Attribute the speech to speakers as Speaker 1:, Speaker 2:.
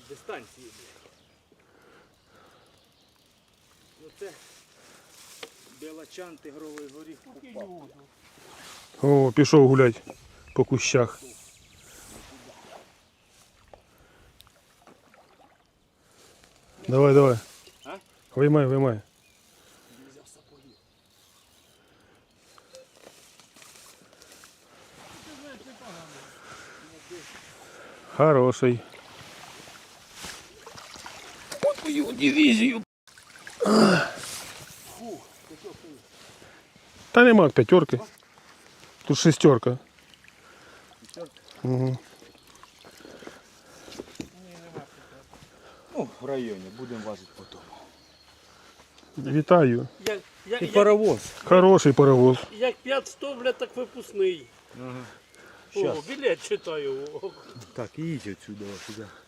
Speaker 1: дистанції, блядь. Ну це білочан, тигровий горіх попав.
Speaker 2: О, пішов гулять по кущах. Давай, давай.
Speaker 1: А?
Speaker 2: Виймай, виймай. Хороший. Вот мою дивизию. Та нема п'ятерки. Тут шестерка. Угу.
Speaker 1: Ну, в районі, будемо важити потім.
Speaker 2: Вітаю.
Speaker 1: І паровоз.
Speaker 2: Хороший паровоз.
Speaker 3: Як 500, блядь, так випускний.
Speaker 1: Ага.
Speaker 3: О, білет читаю.
Speaker 1: Так, їдь отсюда, сюди.